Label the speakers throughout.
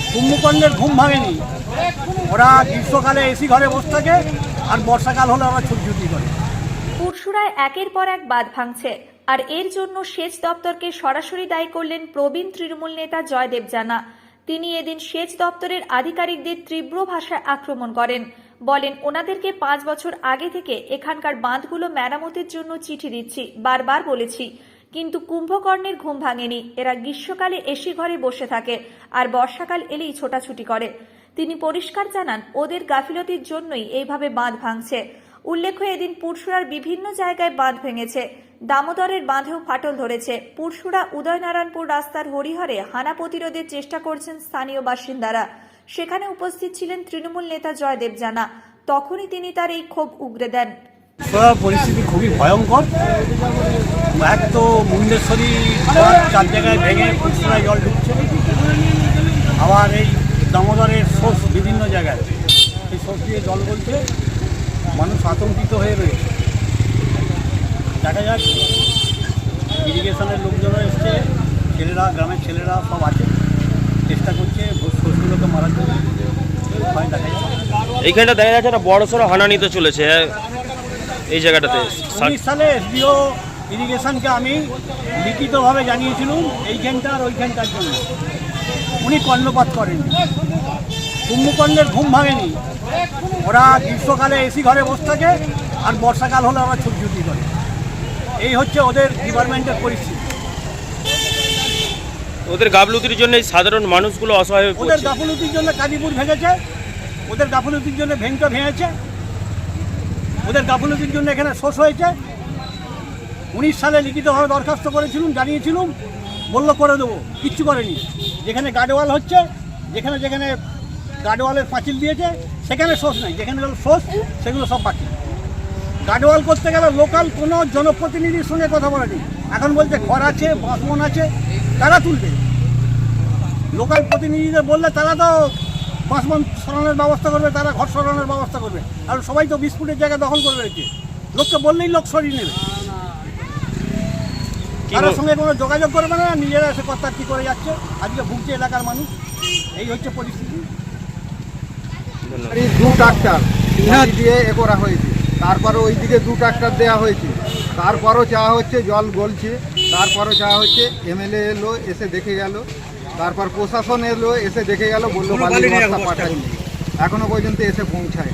Speaker 1: কুম্ভকর্ণের ঘুম ভাঙেনি। ওরা গ্রীষ্মকালে এসি ঘরে বসে থাকে আর বর্ষাকাল হলে ওরা ছুটি করে।
Speaker 2: পুরসুরায় একের পর এক বাঁধ ভাঙছে, আর এর জন্য সেচ দপ্তরকে সরাসরি দায়ী করলেন প্রবীণ তৃণমূল নেতা জয়দেব জানা। তিনি এদিন সেচ দপ্তরের আধিকারিকদের তীব্র ভাষায় আক্রমণ করেন। বলেন, ওনাদেরকে 5 বছর আগে থেকে এখানকার বাঁধগুলো মেরামতের জন্য চিঠি দিচ্ছি, বারবার বলেছি, কিন্তু কুম্ভকর্ণের ঘুম ভাঙেনি। এরা গ্রীষ্মকালে এসি ঘরে বসে থাকে আর বর্ষাকাল এলেই ছোটাছুটি করে। তিনি পরিষ্কার জানান, ওদের গাফিলতির জন্যই এইভাবে বাঁধ ভাঙছে। উল্লেখ্য, এদিন পুরসুরার বিভিন্ন জায়গায় বাঁধ ভেঙেছে। দামোদরের বাঁধেও ফাটল ধরেছে। পুরসুরা উদয়নারায়ণপুর রাস্তার হরিহরে হানা প্রতিরোধের চেষ্টা করছেন স্থানীয় বাসিন্দারা। সেখানে উপস্থিত ছিলেন তৃণমূল নেতা জয়দেব জানা। তখনই তিনি তার এই ক্ষোভ উগরে দেন।
Speaker 1: পরিস্থিতি খুবই ভয়ঙ্কর। এক তো মুন্ডেশ্বরী 4 জায়গায় ভেঙে পুরসুরায় জল ঢুকছে, আবার এই দামোদরের সোর্স বিভিন্ন জায়গায় এই সোর্স দিয়ে জল বলছে, মানুষ আতঙ্কিত হয়ে রয়েছে। দেখা যাক, ইরিগেশনের লোকজনও এসছে, ছেলেরা, গ্রামের ছেলেরা সব আছে, চেষ্টা করছে সোর্সগুলোকে মারার জন্য।
Speaker 3: এইখানটা দেখা যাচ্ছে একটা বড় সড়ো হানা নিতে চলেছে এই জায়গাটাতে।
Speaker 1: 19 সালে এসডিও ইরিগেশনকে আমি লিখিতভাবে জানিয়েছিলাম এইখানটা আর ওইখানটার জন্য। উনি কর্ণপাত করেননি। কুম্ভকর্ণের ঘুম ভাঙেনি। ওরা গ্রীষ্মকালে এসি ঘরে বসে থাকে আর বর্ষাকাল হলে ওরা ছুটি করে। এই হচ্ছে ওদের ডিপার্টমেন্টের পরিস্থিতি।
Speaker 3: ওদের গাফলতির জন্য সাধারণ মানুষগুলো অসহায় হয়ে পড়ছে।
Speaker 1: ওদের গাফলতির জন্য কাজীপুর ভেঙেছে, ওদের গাফলতির জন্য ভেঙটা ভেঙেছে, ওদের গাফলতির জন্য এখানে শোষ হয়েছে। 19 সালে লিখিতভাবে দরখাস্ত করেছিলাম, জানিয়েছিলাম, বললো করে দেবো, কিচ্ছু করেনি। যেখানে গার্ডওয়াল হচ্ছে, যেখানে যেখানে গার্ডওয়ালের পাঁচিল দিয়েছে সেখানে শোষ নাই, যেখানে শোষ সেগুলো সব বাকি। গার্ডওয়াল করতে গেলে লোকাল কোনো জনপ্রতিনিধির সঙ্গে কথা বলেনি। এখন বলছে ঘর আছে, বাসবন আছে, তারা তুলবে। লোকাল প্রতিনিধিদের বললে তারা তো বাসবন সরানোর ব্যবস্থা করবে, তারা ঘর সরানোর ব্যবস্থা করবে। আর সবাই তো 20 ফুটের জায়গা দখল করে রয়েছে। লোককে বললেই লোক সরিয়ে নেবে, তার সঙ্গে কোনো যোগাযোগ করবে না, নিজেরা এসে কথা কী করে যাচ্ছে। আজকে ভুগছে এলাকার মানুষ। এই হচ্ছে পরিস্থিতি।
Speaker 4: 2 ট্রাক্টর দিয়ে এ করা হয়েছে, তারপরে ওইদিকে 2 ট্রাক্টর দেওয়া হয়েছে, তারপরও চাওয়া হচ্ছে, জল গলছে, তারপরও চাওয়া হচ্ছে। এমএলএ এলো, এসে দেখে গেল, তারপর প্রশাসন এলো, এসে দেখে গেল, বললো বালির বস্তা পাঠায়নি, এখনো পর্যন্ত এসে পৌঁছায়।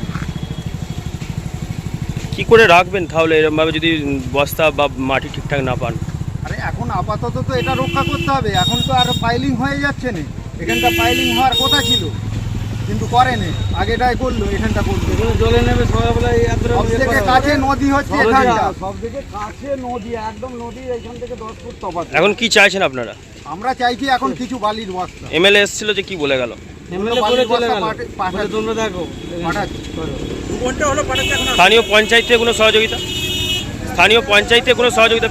Speaker 3: কি করে রাখবেন তাহলে এরকমভাবে যদি বস্তা বা মাটি ঠিকঠাক না পান?
Speaker 4: আরে এখন আপাতত তো এটা রক্ষা করতে হবে। এখন তো আর পাইলিং হয়ে যাচ্ছে না, এখানটা পাইলিং হওয়ার কথা ছিল কিন্তু করেনি, আগেটাই করলো, এখানটা করলো।
Speaker 1: জলে নেবে সবাই।
Speaker 4: সবথেকে কাছে নদী হচ্ছে এখানটা,
Speaker 1: সবথেকে কাছে নদী, একদম নদী, এখান থেকে 10 ফুট তফাৎ।
Speaker 3: এখন কি চাইছেন আপনারা?
Speaker 4: আমরা চাইছি এখন কিছু বালির বস্তা।
Speaker 3: এমএলএ এসেছিল, যে কি বলে গেল? স্থানীয় পঞ্চায়েত থেকে কোনো সহযোগিতা? স্থানীয় পঞ্চায়েত থেকে কোনো সহযোগিতা?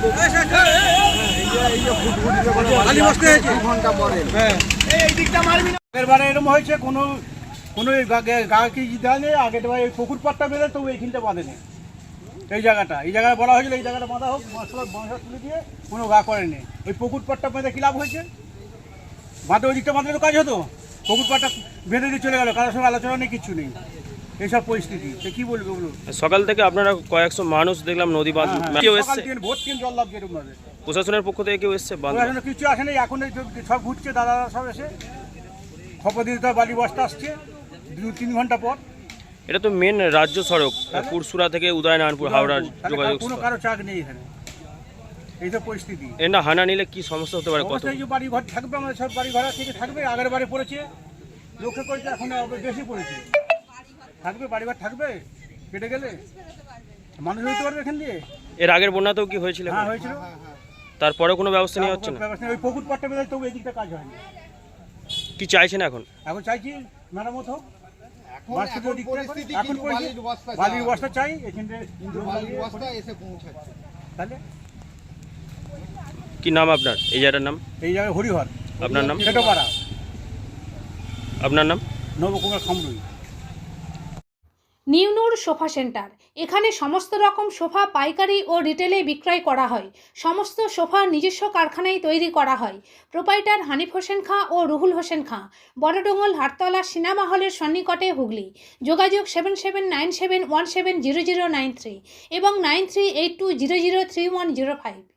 Speaker 1: এবারে এরকম হয়েছে, কোনো গাকে দেওয়া নেই। আগের বার এই পুকুর পাটটা বেঁধে তবু এইখানটা বাঁধে নেই। এই জায়গায় বলা হয়েছিল এই জায়গাটা বাঁধা হোক, বাঁধা তুলে দিয়ে কোনো গা করেনি। ওই পুকুর পাটটা বেঁধে কী লাভ হয়েছে? বাঁধে ওই দিকটা বাঁধলে তো কাজ হতো। পুকুর পাটটা বেঁধে দিয়ে চলে গেল, কারোর সঙ্গে আলোচনা নেই, কিচ্ছু নেই। এইসব পরিস্থিতি কি বলবে বলুন?
Speaker 3: সকাল থেকে আপনারা কয়েকশো মানুষ দেখলাম নদী বাঁধ। কেউ এসছে?
Speaker 1: ভোট কেন জল লাভ যেরকম ভাবে
Speaker 3: প্রশাসনের পক্ষ থেকে কেউ এসছে?
Speaker 1: কিছু আসেনি। এখন সব ঘুরছে, দাদারা সব এসে খবর দিতে বালি বস্তা আসছে 2-3 ঘন্টা পর।
Speaker 3: এটা তো মেন রাজ্য সড়ক, পুরসুরা থেকে উদয়নারায়ণপুর হাওড়ার যোগাযোগ।
Speaker 1: কোনো কারো চাক নেই এখানে। এই তো পরিস্থিতি।
Speaker 3: এটা হানা নিলে কি সমস্যা হতে পারে? কত
Speaker 1: বাড়ি ঘর থাকবে, আমাদের সব বাড়ি ঘর থেকে থাকবে। আগের বাড়ি পড়েছে, লক্ষ্য করেছে, এখন বেশি পড়েছে। থাকবে, বাড়ি ঘর থাকবে, কেটে গেলে মানুষ হইতে পারবে এখান দিয়ে।
Speaker 3: এর আগের বন্যাতেও কি হয়েছিল?
Speaker 1: হ্যাঁ হয়েছিল।
Speaker 3: তারপরে কোনো ব্যবস্থা নেওয়া হচ্ছে না?
Speaker 1: ওই পুকুর পাটটা বেঁধে তবু এই দিকটা কাজ হয়নি।
Speaker 3: কি চাইছেন এখন?
Speaker 1: এখন চাইছি মেরামত হোক।
Speaker 4: বালির
Speaker 1: বস্তা চাই এখানে। তাহলে
Speaker 3: কি নাম আপনার? এই জায়গাটার নাম?
Speaker 1: এই জায়গায় হরিহর।
Speaker 3: আপনার নাম?
Speaker 1: ছেটোপাড়া।
Speaker 3: আপনার নাম?
Speaker 1: Nabakumar Khamrui.
Speaker 5: New Noor sofa centre. এখানে সমস্ত রকম সোফা পাইকারি ও রিটেলে বিক্রয় করা হয়। সমস্ত সোফা নিজস্ব কারখানায় তৈরি করা হয়। প্রোপাইটার হানিফ হোসেন খাঁ ও রুহুল হোসেন খাঁ, বড়ডোঙ্গল হাটতলা সিনেমা হলের সন্নিকটে, হুগলি। যোগাযোগ 7797170093 এবং 9382003105।